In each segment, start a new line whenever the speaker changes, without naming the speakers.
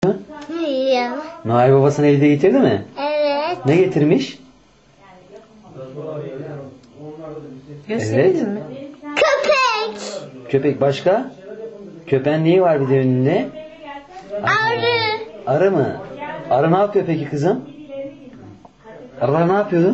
Hayır.
Noel babasını evde getirdi mi?
Evet.
Ne getirmiş?
Gösterelim mi?
Köpek.
Köpek başka? Köpeğin neyi var bir de önünde?
Arı.
Arı mı? Arı ne yapıyor peki kızım? Arılar ne yapıyordu?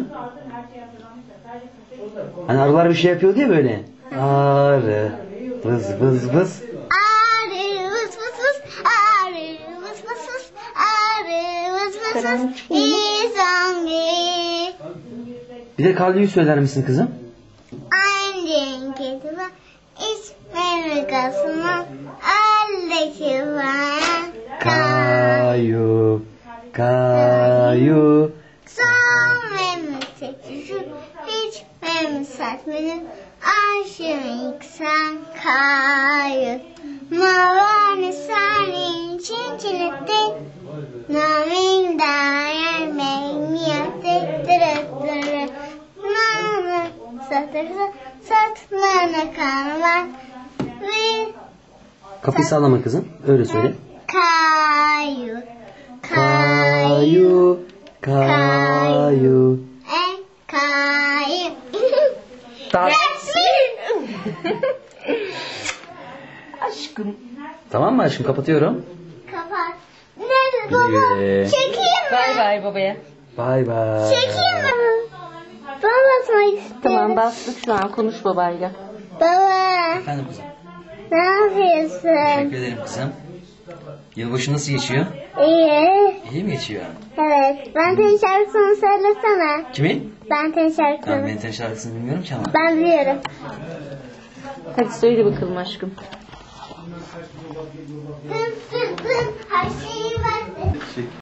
Hani arılar bir şey yapıyordu ya böyle. Arı. Vız vız vız.
Arı vız vız vız. Arı vız vız vız. Arı vız vız vız. İzangi.
Bir de Kalli'yi söyler misin kızım?
Annen getirir. İsmini kasına. Aldaki var.
Kayu. Kayu.
Son memleketi hiç memleketmenin aşığın sen kayıp. Mavani senin çinçinette namin dair memniyette dırıttırı. Namı satırsa satmana kanlar ve
Kapıyı sallama kızım. Öyle söyle.
kayu.
Kayu. Kayu.
En kayu.
Aşkım.
Tamam mı aşkım? Kapatıyorum.
Kapat. Nerede baba?
Güle.
Çekeyim mi?
Bay bay babaya.
Bay bay.
Çekeyim mi? Ben basmak istiyorum.
Tamam bastık şu an, konuş babayla.
Baba
Efendim kızım.
ne yapıyorsun?
Teşekkür ederim kızım. Yılbaşı nasıl geçiyor?
İyi.
İyi mi geçiyor?
Evet. Benten şarkısını söylesene.
Kimin?
Benten şarkısını.
Ben Benten şarkısını bilmiyorum ki ama.
Ben biliyorum.
Hadi söyle bakalım aşkım.
Tın tın tın. Her şey